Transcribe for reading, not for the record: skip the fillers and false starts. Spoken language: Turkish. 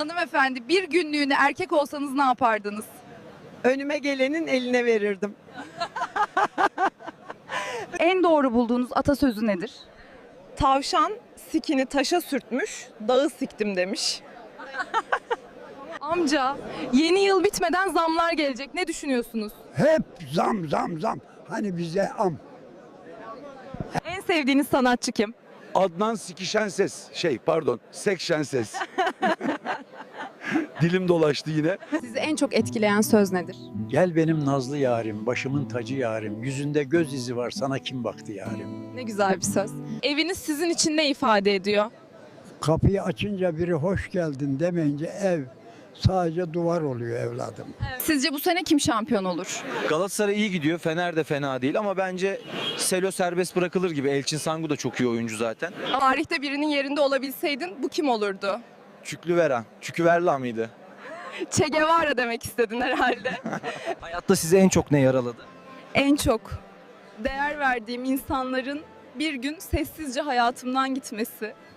Hanımefendi, bir günlüğüne erkek olsanız ne yapardınız? Önüme gelenin eline verirdim. En doğru bulduğunuz atasözü nedir? Tavşan sikini taşa sürtmüş, dağı siktim demiş. Amca, yeni yıl bitmeden zamlar gelecek. Ne düşünüyorsunuz? Hep zam zam zam. Hani bize am. En sevdiğiniz sanatçı kim? Adnan Sikişen Ses. Sekşen Ses. Dilim dolaştı yine. Sizi en çok etkileyen söz nedir? Gel benim nazlı yarim, başımın tacı yarim, yüzünde göz izi var sana kim baktı yarim. Ne güzel bir söz. Eviniz sizin için ne ifade ediyor? Kapıyı açınca biri hoş geldin demeyince ev sadece duvar oluyor evladım. Sizce bu sene kim şampiyon olur? Galatasaray iyi gidiyor. Fener de fena değil ama bence Selo serbest bırakılır gibi. Elçin Sangu da çok iyi oyuncu zaten. Tarihte birinin yerinde olabilseydin bu kim olurdu? Çüklüveren. Çüküverla mıydı? Che Guevara demek istedin herhalde. Hayatta sizi en çok ne yaraladı? En çok değer verdiğim insanların bir gün sessizce hayatımdan gitmesi.